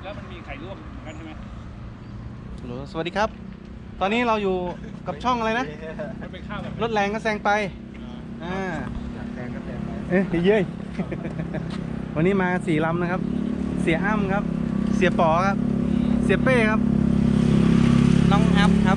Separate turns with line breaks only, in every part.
แล้วมันมีไข่ร่วมกันใช่ไหม
สวัสดีครับ ตอนนี้เราอยู่กับช่องอะไรนะ
ให้เป็นข้าวแบบ
รถแรงก็แซงไป
อย
าก
แซงก็แซงไป
เอ๊ะเย้ย วันนี้มา4 ลำนะครับ เสียอ้ำครับ เสียป๋อครับ เสียเป้ครับ น้องอัพครับ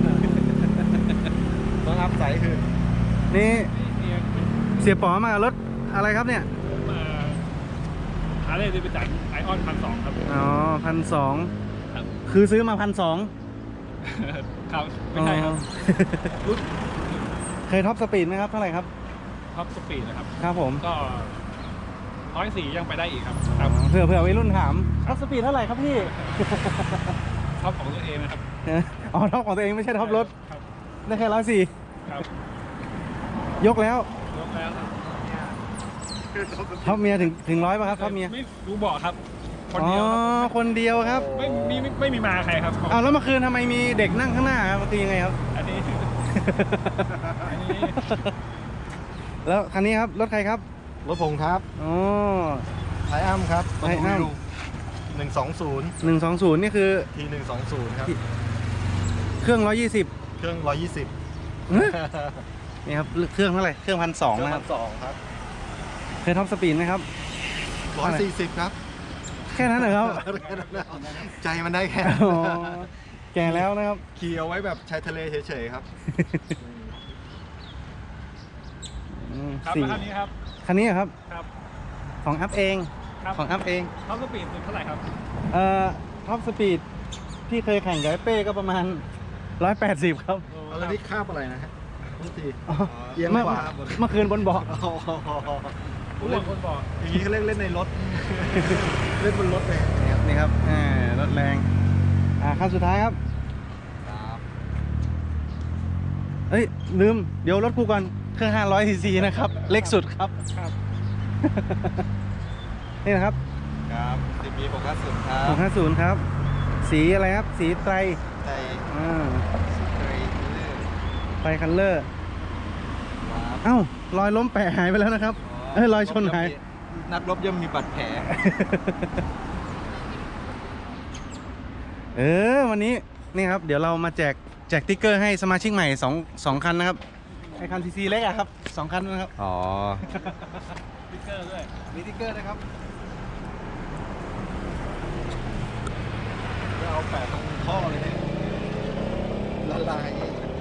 น้องอัพใสคือ
นี่
เนี่ย
เสียป๋อมากับรถอะไรครับเนี่ย
ผมมาหาเลยดิบิสันไอออน1,200 ครับ
อ๋อ1,200
ครับ
คือซื้อมา1,200
ครับไม่ใช่ครับ รุ่น
เคยท็อปสปีดไหมครับ เท่าไหร่ครับ
ท็อปสปีดนะครับ
ครับผม
ก็104ยังไปได้อีกครับ
เผื่อวัยรุ่นถามท็อปสปีดเท่าไหร่ครับพี่
ท็อปของตัวเองนะครับ
อ๋อท็อปของตัวเองไม่ใช่ท็อปรถ
ครับ
ได้แค่104
ครับ
ยกแล้ว
ยกแล้วครับ
ท็อปเมียถึง100ป่ะครับท็อปเมีย
ไม่รู้บอกครับ คน
อ๋อ
เดียวครับ
คนเดียวครับ
ไม่มีมาใครครับ
อ้าวแล้วเมื่อคืนทำไมมีเด็กนั่งข้างหน้าครับมันคือยังไงครับ
อันนี้ อันนี้
แล้วคันนี้ครับรถใครครับ
รถผมครับ
อ๋อ
ไทยอ้ำครับ
ไทยอ้ำ
120
120นี่คือ
ที120ครับ
เครื่อง120
เครื่อง120
นี่ครับเครื่องเท่าไหร่เครื่อง1,200นะครับ
1,200 ครับ
เคยท็อปสปีดไหมครับ
140 ครับ
แค่นั้นเหรอครับ
ใจมันได้แค่
อ๋อแก่แล้วนะครับ
ขี่เอาไว้แบบชายทะเลเฉยๆครับ
ครับ
สี่
แล้วคันนี้ครับ
คันนี้ครับ
ครับ
ของอัพเอง
ครับ
ของอัพเอง
ท็อปสปีดเท่าไหร่ครับ
ท็อปสปีดที่เคยแข่งกับไอ้เป้ก็ประมาณ180ครับ
แล้วนี่คาบอะไรนะฮะทุกที
อ๋อ
เอียง
เมื่อ
ขวา
เมื่อคืนบนเบาะ
ผู้เล่นคนบอก
อย่างนี้เขาเล่นในรถ เล่นบนรถเลย
นี่ครับรถแรงคันสุดท้ายครับเฮ้ยลืมเดี๋ยวรถกูก่อนเครื่อง500 cc นะครับเล็กสุดครับ
ครับ
นี่นะครับ
ครับ10 ปี650 ครับ
650ครับสีอะไรครับสีไตร
ใจ
อ่า
เคยเลือก
ไตรคัลเลอร์
ครับ
เอ้ารอยล้มแปะหายไปแล้วนะครับรอยชนหาย
นักรบย่อมมีบาดแผล
วันนี้นี่ครับเดี๋ยวเรามาแจกติ๊กเกอร์ให้สมาชิกใหม่2 คันนะครับไอคันซีซีเล็กอะครับ2 คันนะครับ
อ๋อ
สติ๊กเกอร์ด้วย
มีติ๊กเกอร์นะครับ
จะเอาแปะตรงท่อเลยเนี่ยละลาย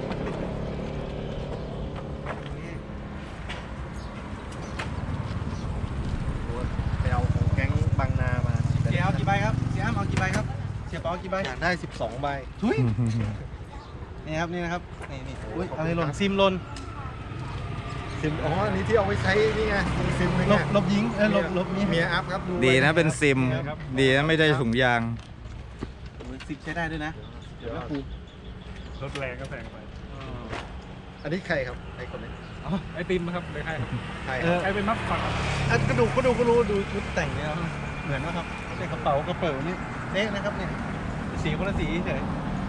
ไปเอาของแก๊งบางนามา
เสียเอากี่ใบครับเสียอ้ำเอากี่ใบครับเสียปอเอากี่ใบ
อยากได้ 12 ใบ
ทุยนี่ครับนี่นะครับนี่อุ๊ยอะไรหล่นซิมหล่น
ซิมอ๋ออันนี้ที่เอาไว้ใช้นี่ไงซิมนึง
ล
ไง
บยิงลบนี้
เมียอัพครับไว้
ดีนะเป็นซิม
ครับ
ดีนะไม่ได้ถุงยาง
สิบใช้ได้ด้วยนะ
เดี๋ยวรถแรงก็แซงไป
อันนี้ใครครับไอ้คนนี้
ไอติมครับเลยใครครับ
ใคร
ใครเป็นมัฟฟังครับ
ก็ดูดูชุดแต่งเนี่ยครับเหมือนนะครับเป็นกระเป๋านี่เละนะครับเนี่ยสีคนละสีเฉย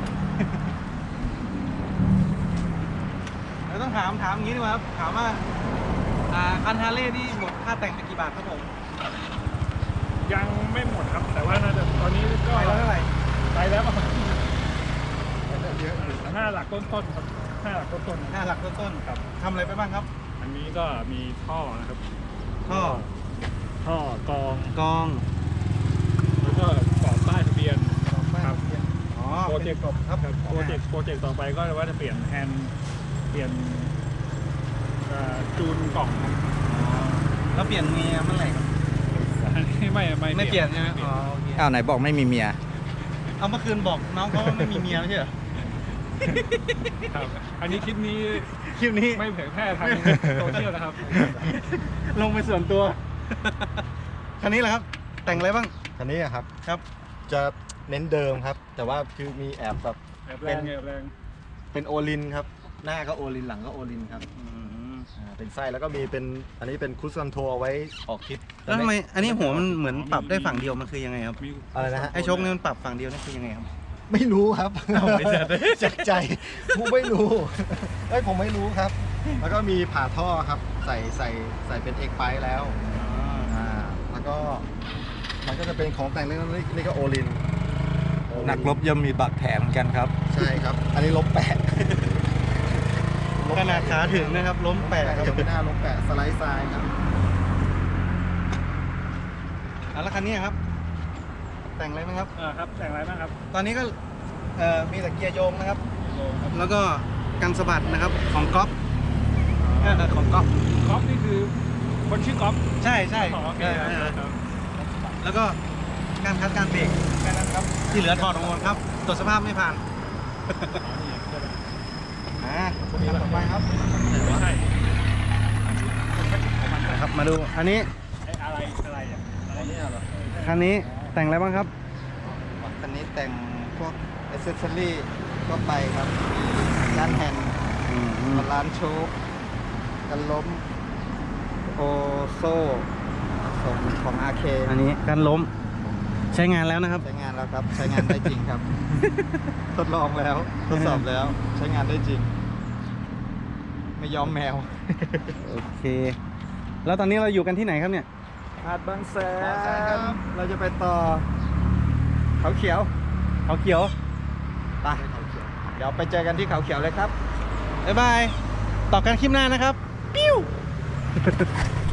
เราต้องถามอย่างนี้ดีกว่าครับถามว่าคันฮาร์เลย์นี่หมดค่าแต่งไปกี่บาทครับผม
ยังไม่หมดครับ แต่ว่าน่าจะตอนนี้ก็
ไปแล้วเท่าไหร่
ไปแล้วประมาณ
เยอะ
5 หลักต้นๆครับ5 หลักต้นๆ
5 หลักต้นๆครับทำอะไรไปบ้างครับ
อันนี้ก็มีท่อนะครับ
ท่อ
ท่อกรอง
กอง
แล้วก็กรอบป้ายทะเบียนครับ
อ๋อ
โปรเจกต์
ครับ
โปรเจกต์ต่อไปก็ว่าจะเปลี่ยนแฮนด์เปลี่ยนจูนกล่องครับ
แล้วเปลี่ยนเมียเมื่อไหร่ครับ
อันนี้ไม่
เปลี่ยนใช่ไหมอ๋อโอเค
อ้าวไหนบอกไม่มีเมีย
เอาเมื่อคืนบอกน้องเขาว่าไม่มีเมียไม่ใช่เหรอ
ครับอันนี้คลิปนี้
คลิปนี้
ไม่เผยแพร่ทางโซเชียลนะครับ
ลงไปส่วนตัว คันนี้แหละครับ แต่งอะไรบ้าง
คันนี้อะครับ
ครับ
จะเน้นเดิมครับ แต่ว่าคือมีแอบแบบ
แอบแรงแอบแรง
เป็นโอลินครับ หน้าก็โอลินหลังก็โอลินครับเป็นไส้แล้วก็มีเป็นอันนี้เป็นคุชคอนโทรเอาไว้ออกทริป
แล้วทำไมอันนี้หัวมันเหมือนปรับได้ฝั่งเดียวมันคือยังไงครับ
มี
อะไรนะฮะ
ไอ้โชคนี่มันปรับฝั่งเดียวนี่คือยังไงครับ
ไม่รู้ครับ
เอาไม่ใช่
จากใจผมไม่รู้ผมไม่รู้ครับ แล้วก็มีผ่าท่อครับ ใส่เป็นเอ็กไพแล้วแล้วก็มันก็จะเป็นของแต่งเล็กๆนี่ก็โอลิน
นักรบย่อมมีบาดแผลเหมือนกันครับ
ใช่ครับ อันนี้ล้มแปะ
ขนาดขาถึงนะครับ ล้มแปะครับ
ยังไม่น่าล้มแปะสไลด์ทรายครับ
แล้วคันนี้ครับ แต่งอะไรไหมครับ
ครับแต่งอะไรบ้างครับ
ตอนนี้ก็มีแต่เกียร์โยงนะครับ
โลครับ
แล้วก็กันสะบัดนะครับของก๊อฟของก๊อฟ
ก๊อฟนี่คือคนชื่อก๊อฟ
ใช่ใช่
อ๋อโอเคครับ
แล้วก็การคัดการเบรกแค่นั้นครับ ที่เหลือถอดออกหมดครับตรวจสภาพไม่ผ่านต่อไปครับ
ไม่ใช่
นะครับ มาดูอันนี้
ไอ้อะไรอ่ะอะไรเนี่ยเหรอ
คันนี้แต่งอะไรบ้างครับ
คันนี้แต่งพวกอ c เซสซอรี่ก็ไปครับด้านแฮนด์บาลานซ์โชคกันล้มโอโซ่ของ RK
อันนี้การล้มใช้งานแล้วนะครับ
ใช้งานแล้วครับ ใช้งานได้จริงครับ ทดลองแล้ว ทดสอบแล้ว ใช้งานได้จริง ไม่ยอมแมว
โอเค แล้วตอนนี้เราอยู่กันที่ไหนครับเนี่ย
หาดบางแส
บางแสนครับ
เราจะไปต่อ เขาเขียว
เขาเขียว
ไปเดี๋ยวไปเจอกันที่เขาเขียวเลยครับ
บ๊ายบาย ต่อกันคลิปหน้านะครับ ปิ้ว